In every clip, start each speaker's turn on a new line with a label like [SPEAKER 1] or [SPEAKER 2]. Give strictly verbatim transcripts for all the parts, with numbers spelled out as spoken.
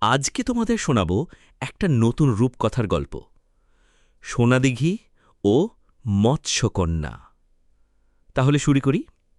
[SPEAKER 1] আজকে তোমাদের শোনাব একটা নতুন রূপকথার গল্প, সোনাদিঘি ও মৎস্যকন্যা। তাহলে শুরু করি।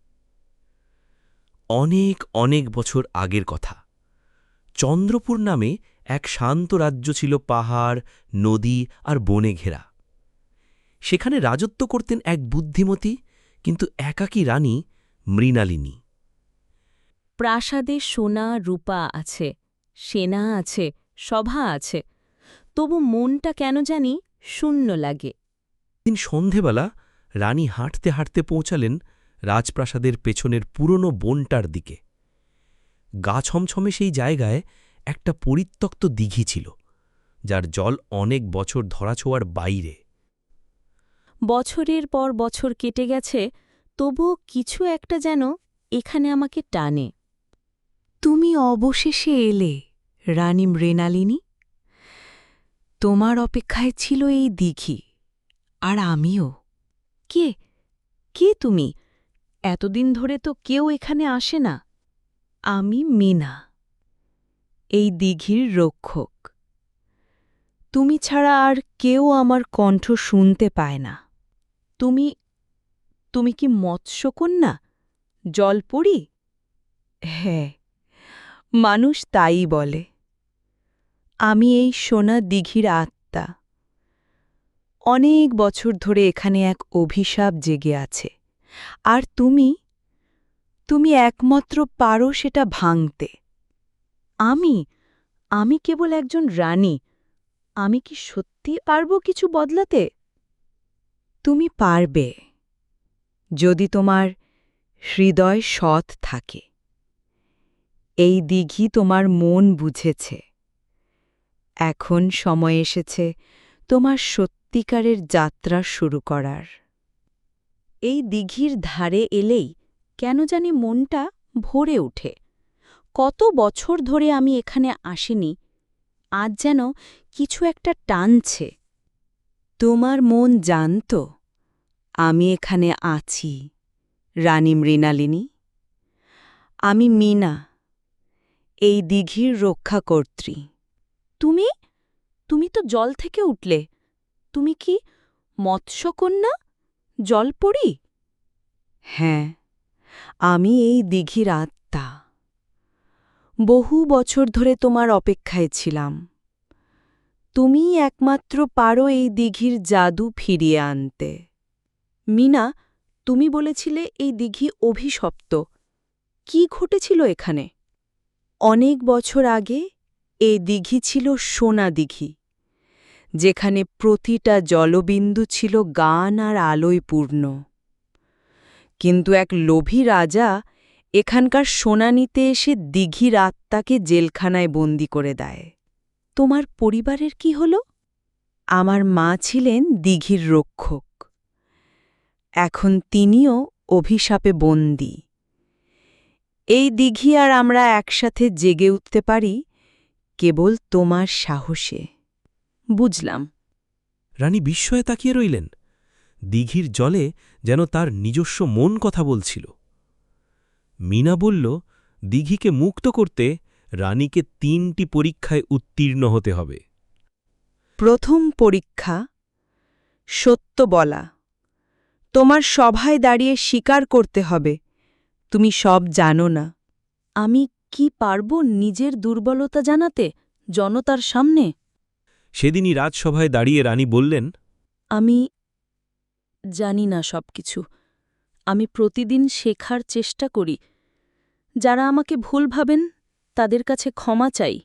[SPEAKER 1] অনেক অনেক বছর আগের কথা। চন্দ্রপুর নামে এক শান্ত রাজ্য ছিল, পাহাড়, নদী আর বনে ঘেরা। সেখানে রাজত্ব করতেন এক বুদ্ধিমতী কিন্তু একাকী রানী, মৃণালিনী।
[SPEAKER 2] প্রাসাদে সোনা রূপা আছে, সেনা আছে, সভা আছে, তবু মনটা কেন জানি শূন্য লাগে।
[SPEAKER 1] দিন সন্ধেবেলা রানী হাঁটতে হাঁটতে পৌঁছালেন রাজপ্রাসাদের পেছনের পুরনো বনটার দিকে। গা ছমছমে সেই জায়গায় একটা পরিত্যক্ত দিঘি ছিল, যার জল অনেক বছর ধরাছোঁয়ার বাইরে।
[SPEAKER 2] বছরের পর বছর কেটে গেছে, তবুও কিছু একটা যেন এখানে আমাকে টানে।
[SPEAKER 3] তুমি অবশেষে এলে, রানী মৃণালিনী। তোমার অপেক্ষায় ছিল এই দিঘি, আর আমিও।
[SPEAKER 2] কে কে তুমি? এতদিন ধরে তো কেউ এখানে আসে না।
[SPEAKER 3] আমি মীনা, এই দিঘির রক্ষক। তুমি ছাড়া আর কেউ আমার কণ্ঠ শুনতে পায় না।
[SPEAKER 2] তুমি তুমি কি মৎস্যকন্যা, জলপরী?
[SPEAKER 3] হ্যাঁ, মানুষ তাই বলে। আমি এই সোনা দিঘির আত্মা। অনেক বছর ধরে এখানে এক অভিশাপ জেগে আছে, আর তুমি তুমি একমাত্র পারো সেটা ভাঙতে।
[SPEAKER 2] আমি আমি কেবল একজন রানী। আমি কি সত্যি পারব কিছু বদলাতে?
[SPEAKER 3] তুমি পারবে, যদি তোমার হৃদয় সৎ থাকে। এই দিঘি তোমার মন বুঝেছে। এখন সময় এসেছে তোমার সত্যিকারের যাত্রা শুরু করার।
[SPEAKER 2] এই দিঘির ধারে এলেই কেন জানি মনটা ভরে ওঠে। কত বছর ধরে আমি এখানে আসিনি, আজ যেন কিছু একটা টানছে।
[SPEAKER 3] তোমার মন জানত আমি এখানে আছি, রানী মৃণালিনী। আমি মীনা, এই দিঘির রক্ষাকর্ত্রী।
[SPEAKER 2] তুমি তুমি তো জল থেকে উঠলে। তুমি কি মৎস্যকন্যা, জলপরী?
[SPEAKER 3] হ্যাঁ, আমি এই দিঘির আত্মা। বহু বছর ধরে তোমার অপেক্ষায় ছিলাম। তুমিই একমাত্র পারো এই দিঘির জাদু ফিরিয়ে আনতে।
[SPEAKER 2] মিনা, তুমি বলেছিলে এই দিঘি অভিশপ্ত। কি ঘটেছিল এখানে?
[SPEAKER 3] অনেক বছর আগে এই দিঘি ছিল সোনা দিঘি, যেখানে প্রতিটা জলবিন্দু ছিল গান আর আলোয় পূর্ণ। কিন্তু এক লোভী রাজা এখানকার সোনা নিতে এসে দিঘির আত্মাকে জেলখানায় বন্দি করে দেয়।
[SPEAKER 2] তোমার পরিবারের কি হল?
[SPEAKER 3] আমার মা ছিলেন দিঘির রক্ষক। এখন তিনিও অভিশাপে বন্দী। এই দিঘি আর আমরা একসাথে জেগে উঠতে পারি কেবল তোমার সাহসে।
[SPEAKER 2] বুঝলাম।
[SPEAKER 1] রানী বিস্ময়ে তাকিয়ে রইলেন। দিঘির জলে যেন তার নিজস্ব মন কথা বলছিল। মীনা বলল, দিঘিকে মুক্ত করতে রানীকে তিনটি পরীক্ষায় উত্তীর্ণ হতে হবে।
[SPEAKER 3] প্রথম পরীক্ষা, সত্য বলা। তোমার সভায় দাঁড়িয়ে স্বীকার করতে হবে তুমি সব জানো না।
[SPEAKER 2] আমি কি পারব নিজের দুর্বলতা জানাতে জনতার সামনে?
[SPEAKER 1] সেদিনই রাজসভায় দাঁড়িয়ে রানী বললেন,
[SPEAKER 2] আমি জানি না সবকিছু। আমি প্রতিদিন শেখার চেষ্টা করি। যারা আমাকে ভুল ভাবেন তাদের কাছে ক্ষমা চাই।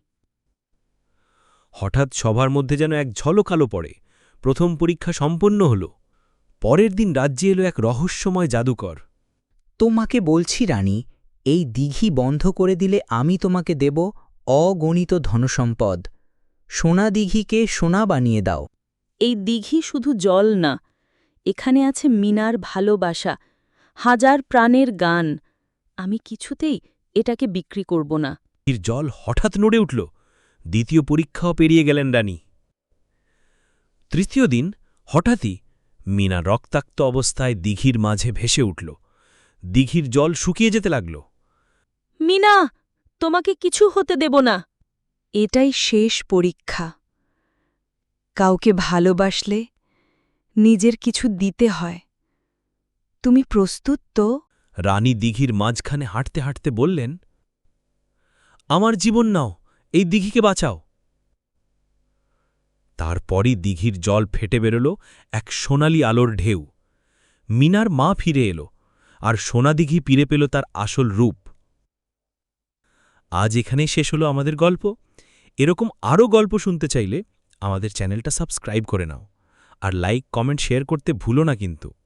[SPEAKER 1] হঠাৎ সভার মধ্যে যেন এক ঝলক আলো পড়ে। প্রথম পরীক্ষা সম্পন্ন হল। পরের দিন রাজ্যে এলো এক রহস্যময় জাদুকর।
[SPEAKER 4] তোমাকে বলছি রানী, এই দিঘি বন্ধ করে দিলে আমি তোমাকে দেব অগণিত ধনসম্পদ। সোনা দিঘিকে সোনা বানিয়ে দাও।
[SPEAKER 2] এই দিঘি শুধু জল না, এখানে আছে মিনার ভালোবাসা, হাজার প্রাণের গান। আমি কিছুতেই এটাকে বিক্রি করব না।
[SPEAKER 1] এর জল হঠাৎ নড়ে উঠল। দ্বিতীয় পরীক্ষাও পেরিয়ে গেলেন রানী। তৃতীয় দিন হঠাৎই মীনা রক্তাক্ত অবস্থায় দিঘির মাঝে ভেসে উঠল। দিঘির জল শুকিয়ে যেতে লাগল।
[SPEAKER 2] মিনা, তোমাকে কিছু হতে দেব না।
[SPEAKER 3] এটাই শেষ পরীক্ষা। কাউকে ভালোবাসলে নিজের কিছু দিতে হয়। তুমি প্রস্তুত তো?
[SPEAKER 1] রানী দিঘির মাঝখানে হাঁটতে হাঁটতে বললেন, আমার জীবন নাও, এই দিঘিকে বাঁচাও। তারপরই দিঘির জল ফেটে বেরোল এক সোনালি আলোর ঢেউ। মিনার মা ফিরে এলো, আর সোনা দিঘি ফিরে পেল তার আসল রূপ। আজ এখানেই শেষ হলো আমাদের গল্প। এরকম আরও গল্প শুনতে চাইলে আমাদের চ্যানেলটা সাবস্ক্রাইব করে নাও, আর লাইক কমেন্ট শেয়ার করতে ভুলো না কিন্তু।